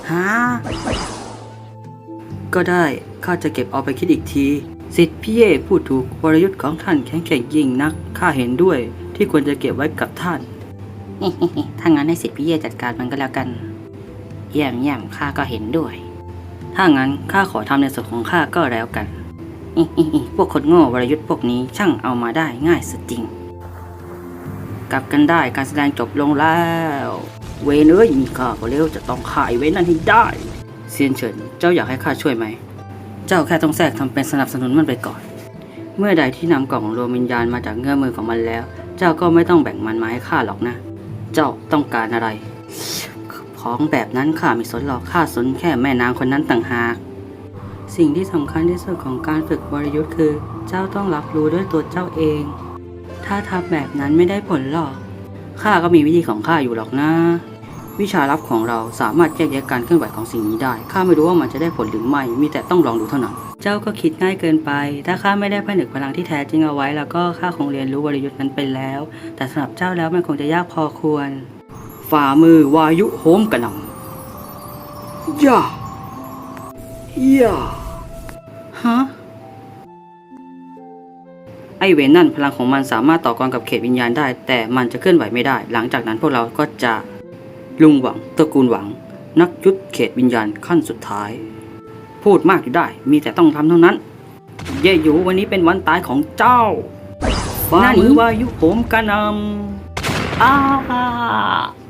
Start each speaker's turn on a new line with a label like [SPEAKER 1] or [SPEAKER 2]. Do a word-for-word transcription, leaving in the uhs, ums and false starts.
[SPEAKER 1] ฮะก็ได้ข้าจะเก็บเอาไปคิดอีกทีสิทธิ์พี่เย่พูดถูกวรยุทธ์ของท่านแข็งแกร่งยิ่งนักข้าเห็นด้วยที่ควรจะเก็บไว้กับท่านถ้างั้นให้สิทธิ์พี่เย่จัดการมันก็แล้วกันเยี่ยมเยี่ยมข้าก็เห็นด้วยถ้างั้นข้าขอทำในส่วนของข้าก็แล้วกันพวกคนโง่วรยุทธ์พวกนี้ช่างเอามาได้ง่ายสุดจริงกลับกันได้การแสดงจบลงแล้วเวนเอ้ยมีข้าก็เร็วจะต้องฆ่าไอ้เวนนั่นให้ได้เซียนเฉินเจ้าอยากให้ข้าช่วยไหมเจ้าแค่ต้องแทรกทำเป็นสนับสนุนมันไปก่อนเมื่อใดที่นำกล่องรวมวิญญาณมาจากเงื้อมือของมันแล้วเจ้าก็ไม่ต้องแบ่งมันมาให้ข้าหรอกนะเจ้าต้องการอะไรของแบบนั้นข้าไม่สนหรอกข้าสนแค่แม่นางคนนั้นต่างหากสิ่งที่สำคัญที่สุดของการฝึกวรยุทธ์คือเจ้าต้องรับรู้ด้วยตัวเจ้าเองถ้าทำแบบนั้นไม่ได้ผลหรอกข้าก็มีวิธีของข้าอยู่หรอกนะวิชาลับของเราสามารถแยกแยะการเคลื่อนไหวของสิ่งนี้ได้ข้าไม่รู้ว่ามันจะได้ผลหรือไม่มีแต่ต้องลองดูเท่านั้นเจ้าก็คิดง่ายเกินไปถ้าข้าไม่ได้ผนึกพลังที่แท้จริงเอาไว้แล้วก็ข้าคงเรียนรู้วรยุทธ์นั้นไปแล้วแต่สำหรับเจ้าแล้วมันคงจะยากพอควรฝ่ามือวายุโหมกระหน่ำย่าย่าฮะไอเวนนั่นพลังของมันสามารถต่อกรกับเขตวิญญาณได้แต่มันจะเคลื่อนไหวไม่ได้หลังจากนั้นพวกเราก็จะลุงหวังตระกูลหวังนักยุทธเขตวิญญาณขั้นสุดท้ายพูดมากอยู่ได้มีแต่ต้องทำเท่านั้นเย่หยูวันนี้เป็นวันตายของเจ้าฝ่ามือวายุโหมกระหน่ำอ้า